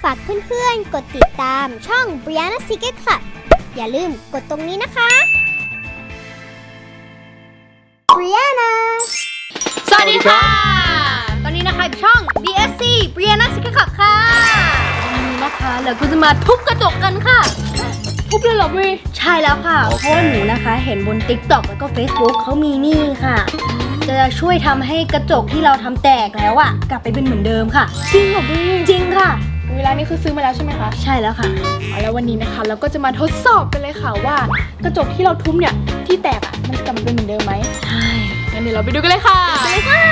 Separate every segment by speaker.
Speaker 1: ฝากเพื่อนๆกดติดตามช่อง Brianna Secret Club อย่าลืมกดตรงนี้นะคะ Brianna
Speaker 2: สวัสดีค่ะ ตอนนี้นะคะช่อง BSC Brianna Secret Club ค่ะวันนี้นะคะเราก็จะมาทุบกระจกกันค่ะทุบเลยเหรอพี่ใช่แล้วค่ะ เพราะว่าหนูนะคะเห็นบน TikTok แล้วก็ Facebook เขามีนี่ค่ะ จะช่วยทำให้กระจกที่เราทำแตกแล้วอะกลับไปเป็นเหมือนเดิมค่ะจริงเหรอพี่จริงค่ะ
Speaker 3: เวลานี้คือซื้อมาแล้วใช่ไหมคะ
Speaker 2: ใช่แล้วค่ะ
Speaker 3: แล้ววันนี้นะคะเราก็จะมาทดสอบกันเลยค่ะว่ากระจกที่เราทุบเนี่ยที่แตกอ่ะมันจะกลับมาเป็นเหมือนเดิมไหม
Speaker 2: ใช่
Speaker 3: งั้นเดี๋ยวเราไปดูกันเลยค่ะ
Speaker 2: ไปเลยค่ะ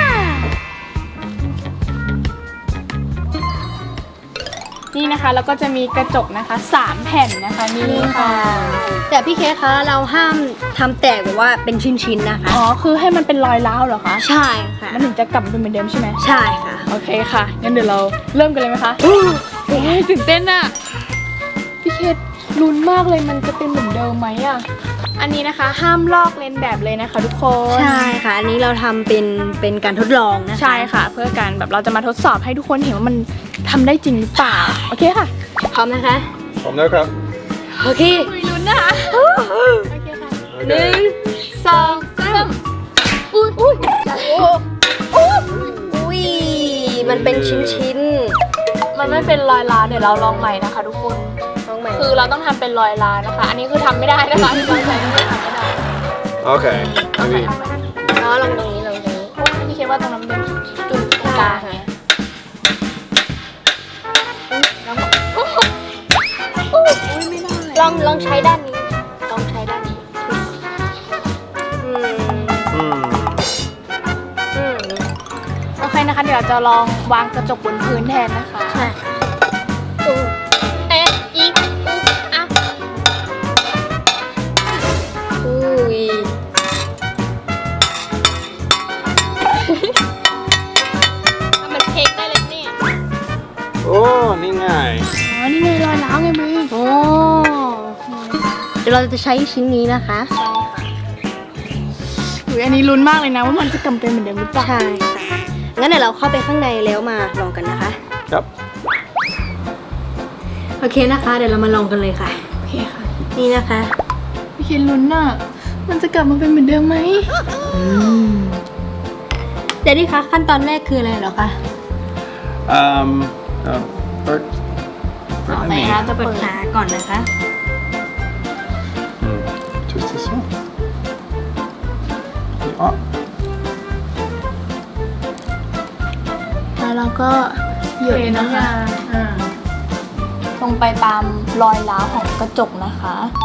Speaker 3: นี่นะคะแล้วก็จะมีกระจกนะคะ3แผ่นนะคะนี่ค่ะ
Speaker 2: แต่พี่เคคะเราห้ามทำแตกแบบว่าเป็นชิ้นๆนะคะ
Speaker 3: คือให้มันเป็นรอยร้าวเหรอคะ
Speaker 2: ใช่ค่ะ
Speaker 3: มันถึงจะกลับมาเป็นเหมือนเดิมใช่ไหม
Speaker 2: ใช่ค่ะ
Speaker 3: โอเคค่ะงั้นเดี๋ยวเราเริ่มกันเลยไหมคะตื่นเต้นอะพี่เคลุ้นมากเลยมันจะเป็นเหมือนเดิมไหมอะอันนี้นะคะห้ามลอกเลียนแบบเลยนะคะทุกคน
Speaker 2: ใช่ค่ะอันนี้เราทำเป็นการทดลองนะคะ
Speaker 3: ใช่ค่ะเพื่อการแบบเราจะมาทดสอบให้ทุกคนเห็นว่ามันทำได้จริงหรือเปล่าโอเคค่ะ
Speaker 2: พร้อมนะคะ
Speaker 4: พร้อมแล้วครับ
Speaker 2: โอเค
Speaker 3: ลุ้นนะคะโอเคค่ะ1 2 3อุ้ย
Speaker 2: มันเป็นชิ้น
Speaker 3: มันไม่เป็นรอยร้าวเดี๋ยวเราลองใหม่นะคะทุกคน
Speaker 2: ลองใหม่
Speaker 3: คือเราต้องทำเป็นรอยร้าวนะคะอันนี้คือทำไม่ได้นะคะที่เราใช้ไม่ทำไม่ได้
Speaker 4: โอเค
Speaker 3: ลองใหม่
Speaker 2: ลองตรงนี้
Speaker 3: พี่คิดว่าตรงนั้นเป็นจุดกลางไง
Speaker 2: ลองใช้ด้านนี้ลองใช้ด้านนี้
Speaker 3: โอเคนะคะเดี๋ยวเราจะลองวางกระจกบนพื้นแทนนะคะ
Speaker 2: ใช่
Speaker 3: อีกอ่ะทำเหมือนเค้กได้เลยเนี่ย
Speaker 4: โอ้นี่ไง
Speaker 3: นี่ไงรอยร้าวไงมือ
Speaker 2: โอ้เดี๋ยวเราจะใช้ชิ้นนี้นะคะ
Speaker 3: ใช่ค่ะอันนี้ลุ้นมากเลยนะว่ามันจะกลับเป็นเหมือนเดิมหรือเปล่า
Speaker 2: ใช่ค่ะงั้นเดี๋ยวเราเข้าไปข้างในแล้วมาลองกันนะคะ
Speaker 4: ครับ
Speaker 2: โอเคนะคะเดี๋ยวเรามาลองกันเลยค่ะ
Speaker 3: โอเคค่ะ
Speaker 2: นี่นะคะ
Speaker 3: พี่คิดลุ้นน่ะมันจะกลับมาเป็นเหมือนเดิมไหม
Speaker 2: เดี๋ยวดิคะขั้นตอนแรกคืออะไรเหรอคะ
Speaker 4: เปิด
Speaker 3: ไหนคะจะ
Speaker 2: เปิดขาก่อนนะคะ
Speaker 4: twist this one up
Speaker 3: แล้วเราก็หยดนะคะลงไปตามรอยร้าวของกระจกนะคะ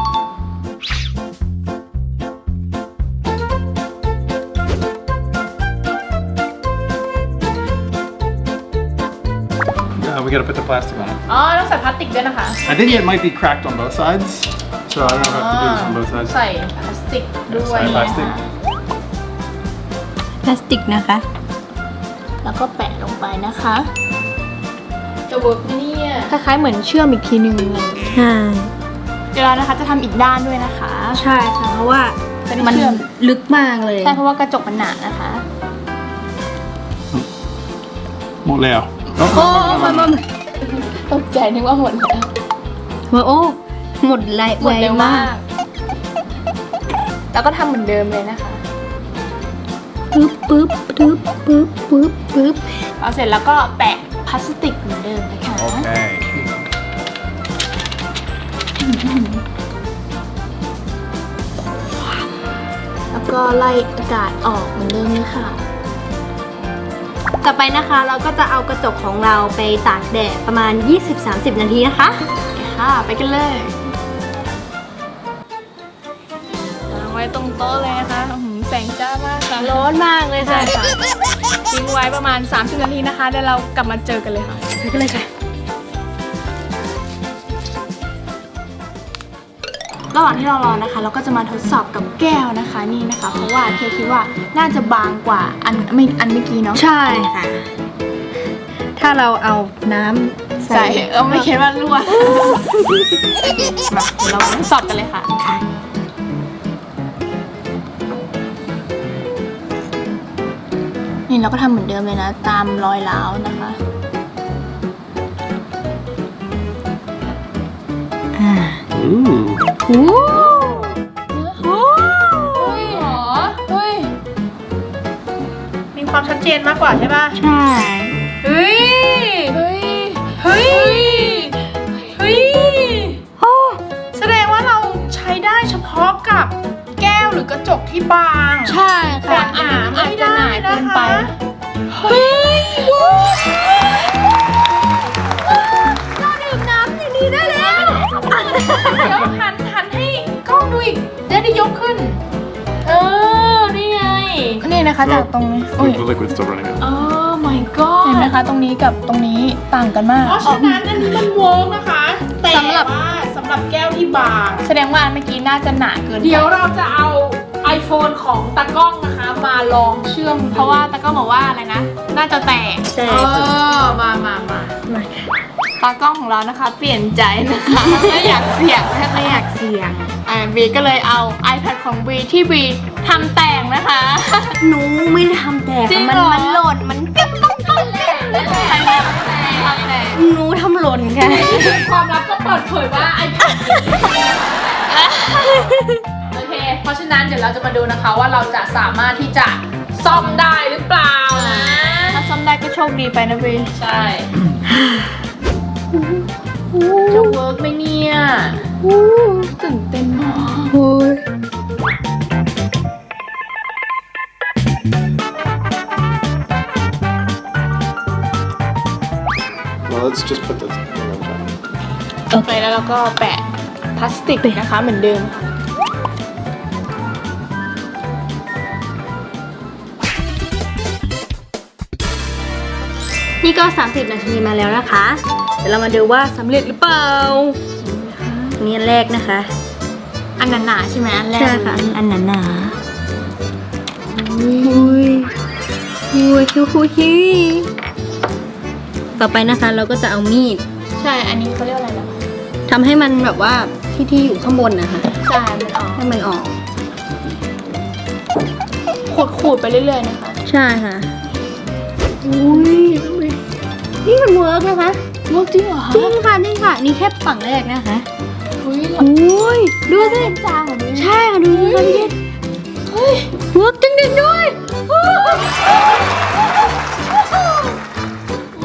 Speaker 4: we gotta put the plastic on it
Speaker 3: ต้องใส่พลาสติกด้วยนะคะ
Speaker 4: I think it might be cracked on both sides so I don't know if I have to do this on both sides
Speaker 3: ใส่พลาสติกด้วย
Speaker 4: พลาสติก
Speaker 2: นะคะ
Speaker 3: แล้วก็แปะลงไปนะคะจะเวิร์กเนี่ยคล้ายๆเหมือนเชื่อมอีกทีนึงเลย
Speaker 2: ใช่
Speaker 3: เดี๋ยวเรานะคะจะทำอีกด้านด้วยนะคะ
Speaker 2: ใช่ค่ะเพราะว่ามันลึกมากเลย
Speaker 3: ใช่เพราะว่ากระจกมันหนานะคะ
Speaker 4: หมดแล้ว
Speaker 2: มัน
Speaker 3: ตกใจนึกว่าหมดแล้ว
Speaker 2: โอ้หมดเร็วมาก
Speaker 3: แล้วก็ทำเหมือนเดิมเลยนะคะ
Speaker 2: ปึ๊บ
Speaker 3: เอาเสร็จแล้วก็แปะพลาสติกเหมือนเดิมนะคะ
Speaker 4: โอเค
Speaker 3: แล้วก็ไล่อากาศออกเหมือนเดิมเลยค่ะ
Speaker 2: ต่อไปนะคะเราก็จะเอากระจกของเราไปตากแดดประมาณ 20-30 นาทีนะคะ
Speaker 3: ค่ะไปกันเลยวางไว้ตรงโต๊ะเลยนะคะแสงจ้ามากค่ะ
Speaker 2: ร้อนมากเลยค่ะ
Speaker 3: ทิ้งไว้ประมาณ30 นาทีนะคะเดี๋ยวเรากลับมาเจอกันเลยค่ะ
Speaker 2: ไปกันเลยค่ะ
Speaker 3: ระหว่างที่เรารอนะคะเราก็จะมาทดสอบกับแก้วนะคะนี่นะคะเพราะว่าเคคิดว่าน่าจะบางกว่าอันเมื่อกี้เนาะ
Speaker 2: ใช่ค่ะถ้าเราเอาน้ำใส่
Speaker 3: ไม่คิดว่ารั่วมาเดี๋ยวเราทดสอบกันเลยค่ะนี่เราก็ทำเหมือนเดิมเลยนะตามรอยร้าวนะคะ
Speaker 2: โอ้
Speaker 3: เฮ้ยเหรอเฮ้ย
Speaker 5: มีความชัดเจนมากกว่าใช่ป่ะ
Speaker 2: ใช่
Speaker 5: เฮ้ย
Speaker 3: เฮ้ย
Speaker 5: เฮ้ย เฮ้ย แสดงว่าเราใช้ได้เฉพาะกับแก้วหรือกระจกที่บาง
Speaker 3: ใช่ค่ะ
Speaker 5: แต่หนา
Speaker 3: อาจจะหนาเกินไป
Speaker 5: เฮ้ย
Speaker 2: เราดื่มน้ำอย่างนี้ได้แล้ว
Speaker 5: เดี๋ยวหันให้กล้องดูอีกได้ยกขึ้น นี่ไง
Speaker 3: นี่นะคะจากตรงนี้โอ้ย
Speaker 4: The liquid's still running out.
Speaker 5: อ๋อ my god
Speaker 3: เห็นไหมคะตรงนี้กับตรงนี้ต่างกันมาก
Speaker 5: เพราะฉะนั้นอันนี้มันเวิร์กนะคะ แต่
Speaker 3: สำหรับ
Speaker 5: ว่าสำหรับแก้วที่บาง
Speaker 3: แสดงว่าอันเมื่อกี้น่าจะหนาเกินไป
Speaker 5: เดี๋ยวเราจะเอา iPhone ของตากล้องนะคะ มาลองเชื่อม
Speaker 3: เพราะว่าตาก็บอกว่าอะไรนะ น่าจะแตก
Speaker 2: แต่
Speaker 5: มา
Speaker 3: ตากล้องของเรานะคะ เปลี่ยนใจนะคะ ไม่อยากเสี่ยงนะคะ
Speaker 2: ไม่อยากเสี่ยง
Speaker 3: บีก็เลยเอา iPad ของบีที่บีทำแต่งนะคะ
Speaker 2: หนูไม่ได้ทำแตก
Speaker 3: จริง
Speaker 2: มัน
Speaker 3: เหรอ
Speaker 2: มันหล่นมันปิ๊บต้องต้องแตก
Speaker 3: ใครทำแต่ง
Speaker 2: หนูทำหล่นค่ะ
Speaker 5: ความลับก็เปิดเผยว่า iPad โอเค เพราะฉะนั้นเดี๋ยวเราจะมาดูนะคะว่าเราจะสามารถที่จะซ่อมได้หรือเปล่านะ
Speaker 3: ถ้าซ่อมได้ก็โชคดีไปนะบี
Speaker 5: ใช่ จะเวิร์กไหมเนี่ย
Speaker 3: ตื่นเต้นมาก
Speaker 4: Well, let's just put this thing on top.
Speaker 3: โอเคแล้วเราก็แปะพลาสติกนะคะเหมือนเดิมค่ะ
Speaker 2: นี่ก็ 30 นาทีมาแล้วนะคะ เดี๋ยวเรามาดูว่าสำเร็จหรือเปล่านี่อันแรกนะคะ
Speaker 3: อันหนาๆใช่ไหมอันแรก
Speaker 2: ใช่ค่ะ อันหนาๆอุ้ยอุ้ยคิวต่อไปนะคะเราก็จะเอามีด
Speaker 3: ใช่อันนี้เขาเรียกอะไรนะ
Speaker 2: ทำให้มันแบบว่าที่อยู่ข้างบนนะคะ
Speaker 3: ใช่มันออก
Speaker 2: ให้มันออก
Speaker 3: ขูดๆไปเรื่อยๆนะคะ
Speaker 2: ใช่ค่ะอุ้ยนี่มันเวิร์กนะคะ
Speaker 3: เวิร์กจริงเหรอคะ
Speaker 2: จริงค่ะนี่ค่ะ นี่แค่ฝั่งแรกนะคะ
Speaker 3: อุ้ย
Speaker 2: อุ้ยดูสิ
Speaker 3: จางเหรอบี
Speaker 2: ใช่ค่ะดูสิคะพี่เกดเวิร์กจริงๆด้วยโอ้โห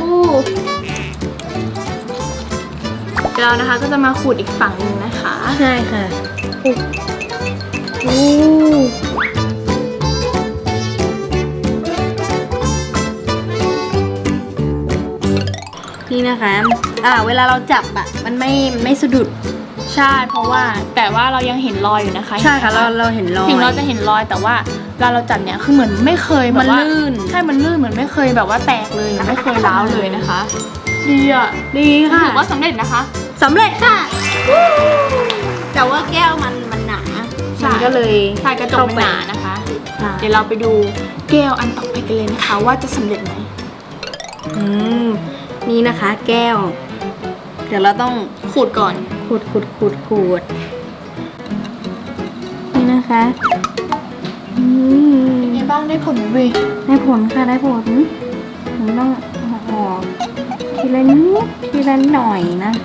Speaker 3: เดี๋ยวเรานะคะก็จะมาขูดอีกฝั่งหนึ่งนะคะ
Speaker 2: ใช่ค่ะโอ้นี่นะคะ เวลาเราจับอะมันไม่สะดุด
Speaker 3: ใช่เพราะว่าแต่ว่าเรายังเห็นรอยอยู่นะคะ
Speaker 2: ใช่ค่ะเราเห็นรอย
Speaker 3: ถึงเราจะเห็นรอยแต่ว่าเวลาเราจับเนี่ยคือเหมือนไม่เคยแบบ
Speaker 2: มัน
Speaker 3: ว่า
Speaker 2: ลื่น
Speaker 3: ใช่มันลื่นเหมือนไม่เคยแบบว่าแตกเลยหรือไม่เคยร้าวเลยนะคะ ดีอ่ะ
Speaker 2: ดีค่ะ
Speaker 3: ถือว่าสำเร็จนะคะ
Speaker 2: สำเร็จค่ะ แต่ว่าแก้วมันหนา
Speaker 3: ใช่
Speaker 2: มันก็เลย
Speaker 3: ใช่กระจกมันหนานะคะ
Speaker 2: ค่ะ
Speaker 3: เดี๋ยวเราไปดูแก้วอันต่อไปกันเลยนะคะ ว่าจะสำเร็จไหม
Speaker 2: อืมนี่นะคะ แก้ว เดี๋ยวเราต้อง
Speaker 3: ขูดก่อน
Speaker 2: ขูดนี่นะคะอืม
Speaker 3: เป็นไงบ้างได้ผลไหมเว้ย
Speaker 2: ได้ผลค่ะได้ผลผมต้องออกทีละนิดทีละหน่อยนะคะ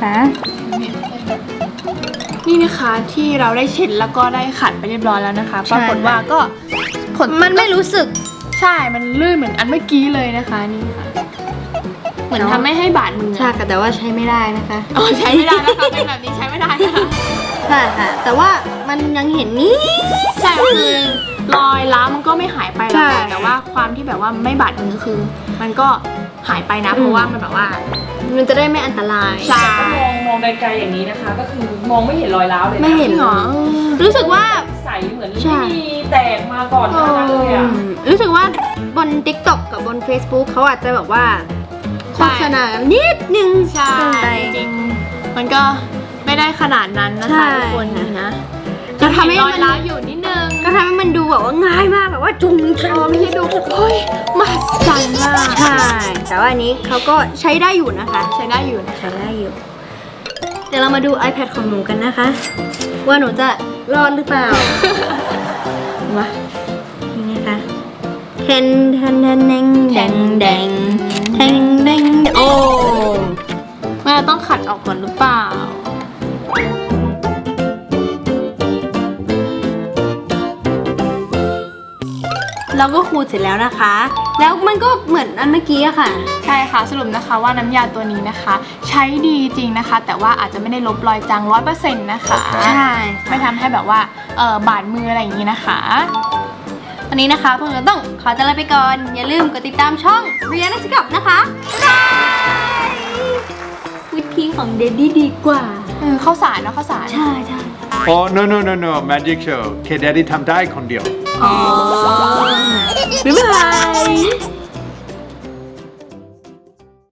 Speaker 3: นี่นะคะที่เราได้เช็ดแล้วก็ได้ขัดไปเรียบร้อยแล้วนะคะ ปรากฏว่าก็ผล
Speaker 2: มันไม่รู้สึก
Speaker 3: ใช่มันลื่นเหมือนอันเมื่อกี้เลยนะคะนี่ค่ะ เหมือนทำให้บาดมือ
Speaker 2: ใช่ค่ะแต่ว่าใช้ไม่ได้นะคะ
Speaker 3: อ๋อใช้ไม่ได้นะคะเป็นแบบนี้ใช้ไม่ได้นะคะ
Speaker 2: ใช่ค่ะ แต่ว่ามันยังเห็นนี่
Speaker 3: ใช่คือรอยร้าวมันก็ไม่หายไปหรอก
Speaker 2: ใช่
Speaker 3: แต่ว่าความที่แบบว่าไม่บาดมือคือ มันก็หายไปนะเพราะว่ามันแบบว่า
Speaker 2: มันจะได้ไม่อันตราย
Speaker 3: ใช่
Speaker 5: มองไกลๆอย่างนี้นะคะ ก็คือมองไม่เห็นรอยร้าวเลยนะ
Speaker 2: ไม่เห็น
Speaker 3: หรอ
Speaker 2: รู้สึกว่า
Speaker 5: ใสเหมือน
Speaker 2: ใช่
Speaker 5: ไม่มีแตกมาก่อนหน้านั้นเลยอ่ะ
Speaker 2: รู้สึกว่าบน TikTok กับบน Facebook เขาอาจจะแบบว่าโฆษณานิดนึง
Speaker 3: ใช่
Speaker 2: เกินไป
Speaker 3: จริงๆมันก็ไม่ได้ขนาดนั้นนะ
Speaker 2: ใช่
Speaker 3: คะทุกคนนี่นะ
Speaker 2: จะทำให้
Speaker 3: รอ
Speaker 2: มั
Speaker 3: ย
Speaker 2: น
Speaker 3: ร้าวอยู่นิดนึง
Speaker 2: ก็ทำให้มันดูแบบว่าง่ายมากแบบว่าจุงจัง
Speaker 3: ไม่ใช่ดูเฮ้ยมหัศจรรย์มาก
Speaker 2: ใช่ แต่ว่าอันนี้เขาก็ใช้ได้อยู่นะคะ
Speaker 3: ใช้ได้อยู่นะ
Speaker 2: ใช้ได้อยู่ เดี๋ยวเรามาดู iPad ของหนูกันนะคะ ว่าหนูจะรอดหรือเปล่า
Speaker 3: มา
Speaker 2: นี่นะคะเทนเทนเทนแดงแดงแดงแดงแดงโอ้
Speaker 3: ว่าเราต้องขัดออกก่อนหรือเปล่า
Speaker 2: เราก็ขูดเสร็จแล้วนะคะ แล้วมันก็เหมือนอันเมื่อกี้อะค่ะ
Speaker 3: ใช่ค่ะสรุปนะคะว่าน้ำยาตัวนี้นะคะ ใช้ดีจริงนะคะ แต่ว่าอาจจะไม่ได้ลบรอยจาง100%นะคะ
Speaker 2: ใช่
Speaker 3: ไม่ทำให้แบบว่าบาดมืออะไรอย่างนี้นะคะ
Speaker 2: วันนี้นะคะพวกเราต้องขอตัวลาไปก่อน อย่าลืมกดติดตามช่องเรียนนักศึกษานะคะบ๊ายบายวิธีของเดดดี้ดีกว่า
Speaker 3: ข้าวสารเนาะข้าวสาร
Speaker 2: ใช่ใช่
Speaker 4: Oh, no, no, no, no. Magic show. แค่ Daddy ทำได้คนเดียว
Speaker 2: อ๋อบ๊ายบาย